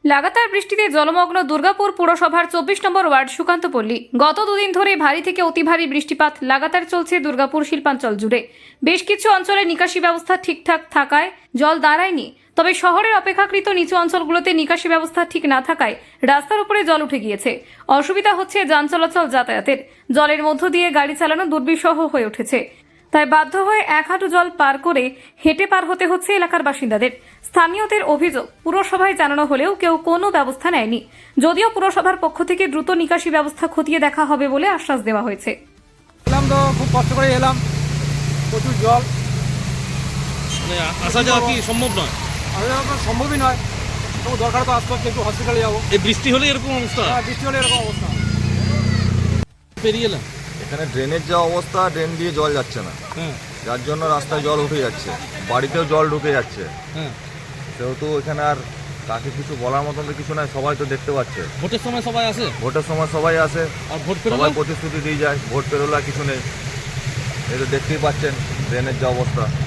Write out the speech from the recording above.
লাগাতার বৃষ্টিতে জলমগ্ন দুর্গাপুর পুরসভার ২৪ নম্বর ওয়ার্ড সুকান্ত পল্লী। গত দুদিন ধরে ভারী থেকে অতি ভারী বৃষ্টিপাত লাগাতার চলছে দুর্গাপুর শিল্পাঞ্চল জুড়ে। বেশ কিছু অঞ্চলে নিকাশি ব্যবস্থা ঠিকঠাক থাকায় জল দাঁড়ায়নি, তবে শহরের অপেক্ষাকৃত নিচু অঞ্চলগুলোতে নিকাশি ব্যবস্থা ঠিক না থাকায় রাস্তার উপরে জল উঠে গিয়েছে। অসুবিধা হচ্ছে যান চলাচল যাতায়াতের। জলের মধ্য দিয়ে গাড়ি চালানো দুর্বিষহ হয়ে উঠেছে, তাই বাধ্য হয়ে এক হাঁটু জল পার করে হেঁটে পার হতে হচ্ছে এলাকার বাসিন্দাদের। স্থানীয়দের অভিযোগ, পুরসভায় জানানো হলেও কেউ কোনো ব্যবস্থা নেয়নি। যদিও পুরসভার পক্ষ থেকে দ্রুত নিকাশি ব্যবস্থা খতিয়ে দেখা হবে বলে আশ্বাস দেওয়া হয়েছে। এলাম তো খুব কষ্ট করে এলাম, প্রচুর জল, মানে আসা যাওয়া কি সম্ভব নয়? আসা যাওয়া সম্ভবই নয়। তো দরকার তো আসতে হচ্ছে, একটু হসপিটালে যাবো। এই বৃষ্টি হলে এরকম অবস্থা? হ্যাঁ, বৃষ্টি হলে এরকম অবস্থা। পেরিয়ে এলাম। এখানে ড্রেনের যা অবস্থা, ড্রেন দিয়ে জল যাচ্ছে না, হ্যাঁ যার জন্য রাস্তায় জল উঠে যাচ্ছে, বাড়িতেও জল ঢুকে যাচ্ছে। হ্যাঁ, সেহেতু এখানে আর কাকে কিছু বলার মতন তো কিছু নাই, সবাই তো দেখতে পাচ্ছে। ভোটের সময় সবাই আসে, ভোটের সময় সবাই আসে, আর ভোট সবাই পেরোলে প্রতিশ্রুতি দিয়ে যায়, ভোট পেরোলে আর কিছু নেই। এই তো দেখতেই পাচ্ছেন ড্রেনের যা অবস্থা।